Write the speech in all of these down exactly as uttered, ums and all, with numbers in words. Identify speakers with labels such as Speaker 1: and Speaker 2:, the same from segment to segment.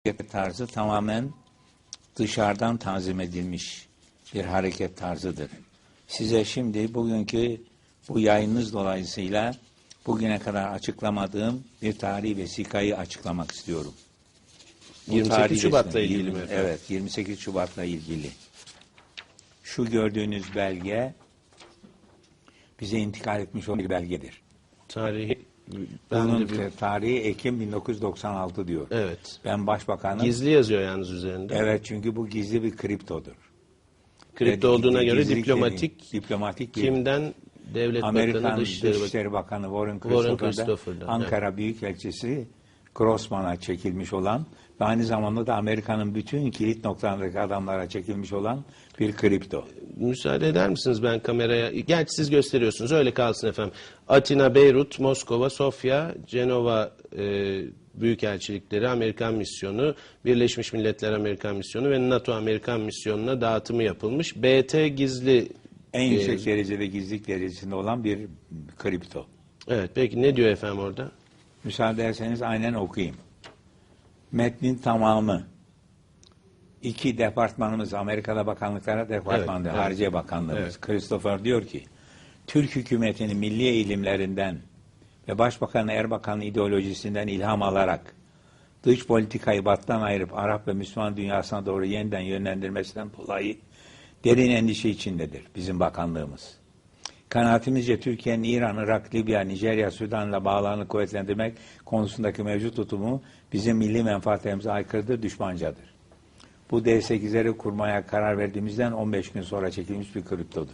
Speaker 1: hareket tarzı tamamen dışarıdan tanzim edilmiş bir hareket tarzıdır. Size şimdi bugünkü bu yayınınız dolayısıyla bugüne kadar açıklamadığım bir tarihi vesikayı açıklamak istiyorum. Bu
Speaker 2: yirmi sekiz Şubat'la
Speaker 1: resmi,
Speaker 2: ilgili mi efendim?
Speaker 1: Evet, yirmi sekiz Şubat'la ilgili. Şu gördüğünüz belge bize intikal etmiş olan bir belgedir.
Speaker 2: Tarihi ben
Speaker 1: Bunun
Speaker 2: de bir...
Speaker 1: tarihi Ekim bin dokuz yüz doksan altı diyor.
Speaker 2: Evet.
Speaker 1: Ben başbakanım.
Speaker 2: Gizli yazıyor yalnız üzerinde.
Speaker 1: Evet, çünkü bu gizli bir kriptodur.
Speaker 2: Kripto
Speaker 1: Ve
Speaker 2: olduğuna göre
Speaker 1: gizlilik
Speaker 2: diplomatik,
Speaker 1: dediğim, diplomatik bir
Speaker 2: kimden? Devlet
Speaker 1: Amerikan
Speaker 2: Bakanı, Dışişleri,
Speaker 1: Dışişleri Bakanı Warren
Speaker 2: Warren
Speaker 1: Christopher'da,
Speaker 2: Christopher'da,
Speaker 1: Ankara
Speaker 2: evet.
Speaker 1: Büyükelçisi Grossman'a çekilmiş olan ve aynı zamanda da Amerika'nın bütün kilit noktalarındaki adamlara çekilmiş olan bir kripto.
Speaker 2: Müsaade eder misiniz ben kameraya? Gerçi siz gösteriyorsunuz. Öyle kalsın efendim. Atina, Beyrut, Moskova, Sofya, Cenova e, Büyükelçilikleri, Amerikan Misyonu, Birleşmiş Milletler Amerikan Misyonu ve NATO Amerikan Misyonu'na dağıtımı yapılmış. B T gizli...
Speaker 1: En
Speaker 2: e,
Speaker 1: yüksek derecede gizlilik derecesinde olan bir kripto.
Speaker 2: Evet, peki ne diyor efendim orada?
Speaker 1: Müsaade ederseniz aynen okuyayım. Metnin tamamı. İki departmanımız, Amerika'da bakanlıklara departmanı,
Speaker 2: Evet,
Speaker 1: Hariciye
Speaker 2: evet.
Speaker 1: Bakanlığımız.
Speaker 2: Evet.
Speaker 1: Christopher diyor ki, Türk hükümetinin milli eğilimlerinden ve Başbakan Erbakan'ın ideolojisinden ilham alarak dış politikayı battan ayırıp Arap ve Müslüman dünyasına doğru yeniden yönlendirmesinden dolayı derin endişe içindedir bizim bakanlığımız. Kanaatimizce Türkiye'nin İran, Irak, Libya, Nijerya, Sudan'la bağlarını kuvvetlendirmek konusundaki mevcut tutumu bizim milli menfaatlerimize aykırıdır, düşmancadır. Bu D sekizleri kurmaya karar verdiğimizden on beş gün sonra çekilmiş bir kriptodur.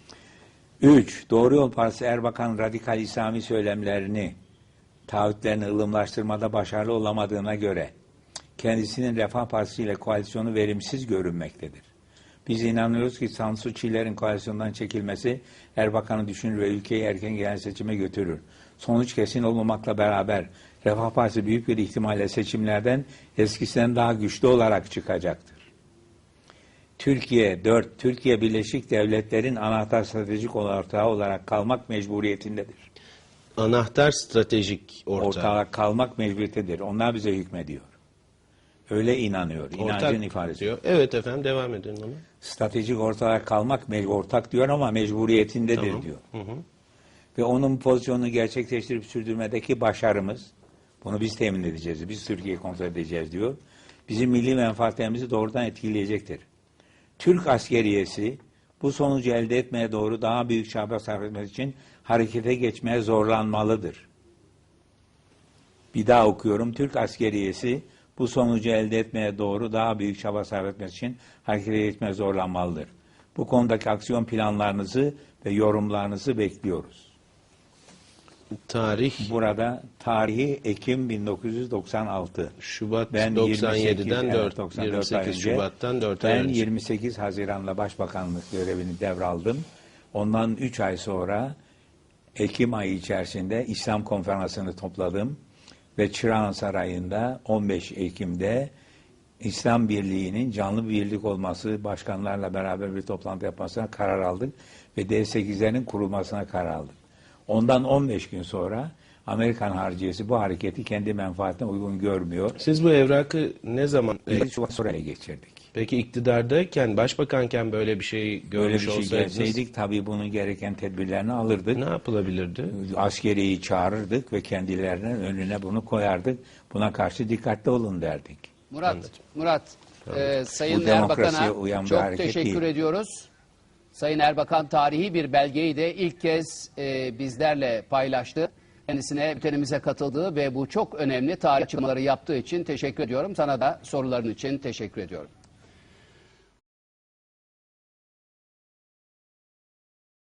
Speaker 1: üç. Doğru Yol Partisi Erbakan radikal İslami söylemlerini, taahhütlerini ılımlaştırmada başarılı olamadığına göre kendisinin Refah Partisi ile koalisyonu verimsiz görünmektedir. Biz inanıyoruz ki Tansu Çiller'in koalisyondan çekilmesi Erbakan'ı düşünür ve ülkeyi erken genel seçime götürür. Sonuç kesin olmamakla beraber Refah Partisi büyük bir ihtimalle seçimlerden eskisinden daha güçlü olarak çıkacaktır. Türkiye dört. Türkiye Birleşik Devletler'in anahtar stratejik ortağı olarak kalmak mecburiyetindedir.
Speaker 2: Anahtar stratejik ortağı.
Speaker 1: Ortağı kalmak mecburiyetindedir. Onlar bize hükmediyor. Öyle inanıyor. İnancın
Speaker 2: Ortak
Speaker 1: ifadesi.
Speaker 2: diyor. Evet efendim, devam edin ona.
Speaker 1: Stratejik ortağa kalmak ortak diyor ama mecburiyetindedir
Speaker 2: Tamam.
Speaker 1: diyor.
Speaker 2: Hı hı.
Speaker 1: Ve onun pozisyonunu gerçekleştirip sürdürmedeki başarımız, bunu biz temin edeceğiz, biz Türkiye'yi kontrol edeceğiz diyor. Bizim milli menfaatlerimizi doğrudan etkileyecektir. Türk askeriyesi bu sonucu elde etmeye doğru daha büyük çaba sarf etmek için harekete geçmeye zorlanmalıdır. Bir daha okuyorum. Türk askeriyesi bu sonucu elde etmeye doğru daha büyük çaba sarf etmek için harekete geçmeye zorlanmalıdır. Bu konudaki aksiyon planlarınızı ve yorumlarınızı bekliyoruz.
Speaker 2: Tarih
Speaker 1: Burada tarihi Ekim bin dokuz yüz doksan altı.
Speaker 2: Şubat
Speaker 1: Ben
Speaker 2: doksan yediden
Speaker 1: yirmi sekiz,
Speaker 2: dört,
Speaker 1: evet, doksan dört
Speaker 2: yirmi sekiz
Speaker 1: ay önce,
Speaker 2: Şubat'tan dört ay
Speaker 1: ben
Speaker 2: önce.
Speaker 1: yirmi sekiz Haziran'da Başbakanlık görevini devraldım. Ondan üç ay sonra Ekim ayı içerisinde İslam Konferansı'nı topladım ve Çırağan Sarayı'nda on beş Ekim'de İslam Birliği'nin canlı bir birlik olması, başkanlarla beraber bir toplantı yapmasına karar aldık ve D sekizlerin kurulmasına karar aldık. Ondan on beş gün sonra Amerikan hariciyesi bu hareketi kendi menfaatine uygun görmüyor.
Speaker 2: Siz bu evrakı ne zaman...
Speaker 1: yedi Şubat sonra ele geçirdik.
Speaker 2: Peki iktidardayken, başbakanken böyle bir şey
Speaker 1: Böyle
Speaker 2: görmüş
Speaker 1: bir şey
Speaker 2: olsaydınız
Speaker 1: gelseydik tabii bunun gereken tedbirlerini alırdık.
Speaker 2: ne yapılabilirdi?
Speaker 1: Askeriyi çağırırdık ve kendilerinin önüne bunu koyardık. Buna karşı dikkatli olun derdik.
Speaker 3: Murat,
Speaker 2: Anladım.
Speaker 3: Murat, e, Sayın
Speaker 1: Bu demokrasiye
Speaker 3: Erbakan'a
Speaker 1: uyan bir
Speaker 3: çok
Speaker 1: hareket
Speaker 3: teşekkür
Speaker 1: değil.
Speaker 3: ediyoruz. Sayın Erbakan tarihi bir belgeyi de ilk kez e, bizlerle paylaştı. Kendisine bültenimize katıldığı ve bu çok önemli tarih açıklamaları yaptığı için teşekkür ediyorum. Sana da soruların için teşekkür ediyorum.